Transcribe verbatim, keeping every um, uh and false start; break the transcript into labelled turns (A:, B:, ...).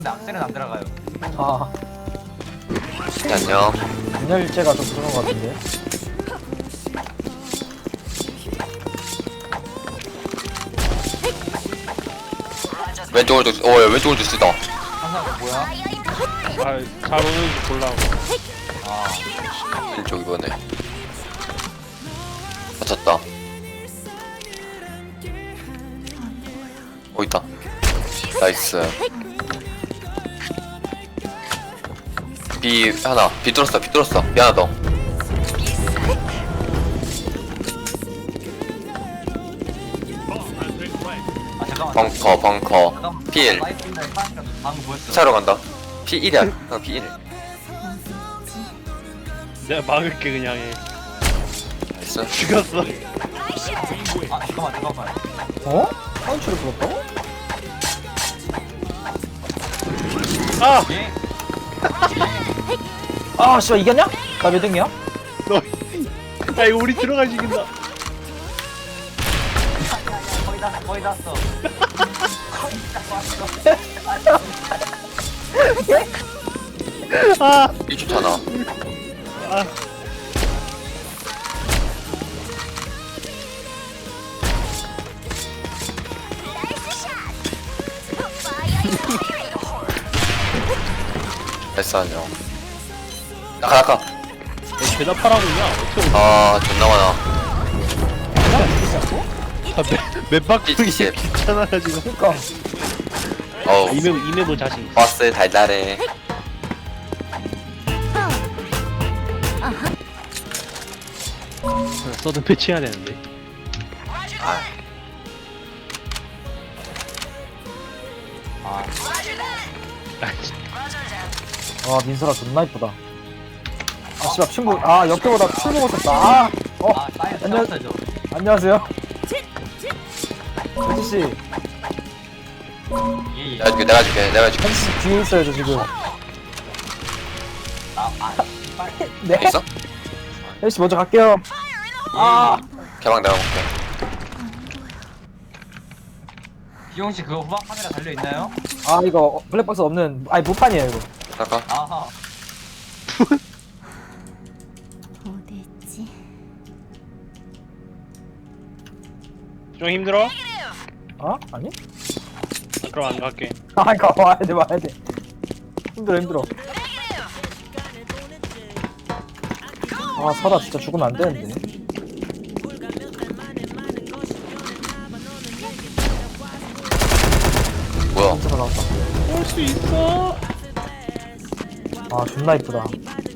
A: 근데 악셀은 안 들어가요.
B: 아,
C: 안녕.
B: 분열일제가 좀 그런 것 같은데.
C: 왼쪽으로 좀, 어, 왼쪽으로 좀 쓰다.
A: 항상 뭐야?
D: 아, 잘 오는지 보려고.
A: 아,
C: 왼쪽 이번에. 맞췄다. 어, 있다. 나이스. B 하나. B 뚫었어, B 뚫었어. B 하나 더.
A: 아 잠깐만.
C: 벙커, 벙커.
A: 잠깐만.
C: 필.
A: 사이트인데 사이트가 방금 보였어.
C: 차로 간다. P 일이야. 형 P 일.
D: 내가 막을게 그냥 해.
C: 나이스.
D: 죽였어.
A: 아 잠깐만 잠깐만.
B: 어? 파운치를 불었다고?
D: 아!
A: 예.
B: 아, 씨발, 이겼냐? 나 몇 등이야?
D: 너. 야 이거 우리 들어갈 수 이긴다.
A: 거의 다 거의 다 왔어. 거의 다 왔어.
D: 아!
C: 일 좋잖아.
D: 아.
C: 나이스 안녕. 나가, 나가.
D: 너 대답하라고 그냥 어떻게
C: 아, 존나 많아.
D: 아, 맵, 맵 바꾸는 게
C: 씨.
D: 귀찮아요 지금.
B: 그니까.
C: 어우.
D: 이메 이메모 자신.
C: 버스 달달해.
D: 서든 패치해야 되는데.
C: 아,
A: 아,
D: 아, 진짜.
B: 와, 민설아 존나 이쁘다. 아, 씨발, 친구. 아, 옆에보다 술 먹었었다. 아, 어,
A: 아 사이트
B: 안녕.
A: 쳤어죠.
B: 안녕하세요. 혜지씨,
A: 예 예.
C: 내가 줄게, 내가 줄게, 내가 줄게.
B: 혜지씨 뒤에 있어요, 저 지금.
A: 아아 빨리.
B: 네?
C: 있어?
B: 혜지씨 먼저 갈게요. 아,
C: 개방 내가 볼게.
A: 비용 씨 그거 후방 카메라 달려 있나요?
B: 아, 이거 블랙박스 없는, 아니, 무판이에요, 이거.
C: 잠깐.
A: 아하.
E: 어디있지?
D: 좀 힘들어?
B: 어? 아니?
D: 그럼 안 갈게.
B: 아, 이거 와야 돼, 와야 돼. 힘들어, 힘들어. 아, 설아 진짜 죽으면 안 되는데.
C: 뭐야?
B: 설아 나왔다.
D: 올 수 있어.
B: 아, 존나 이쁘다.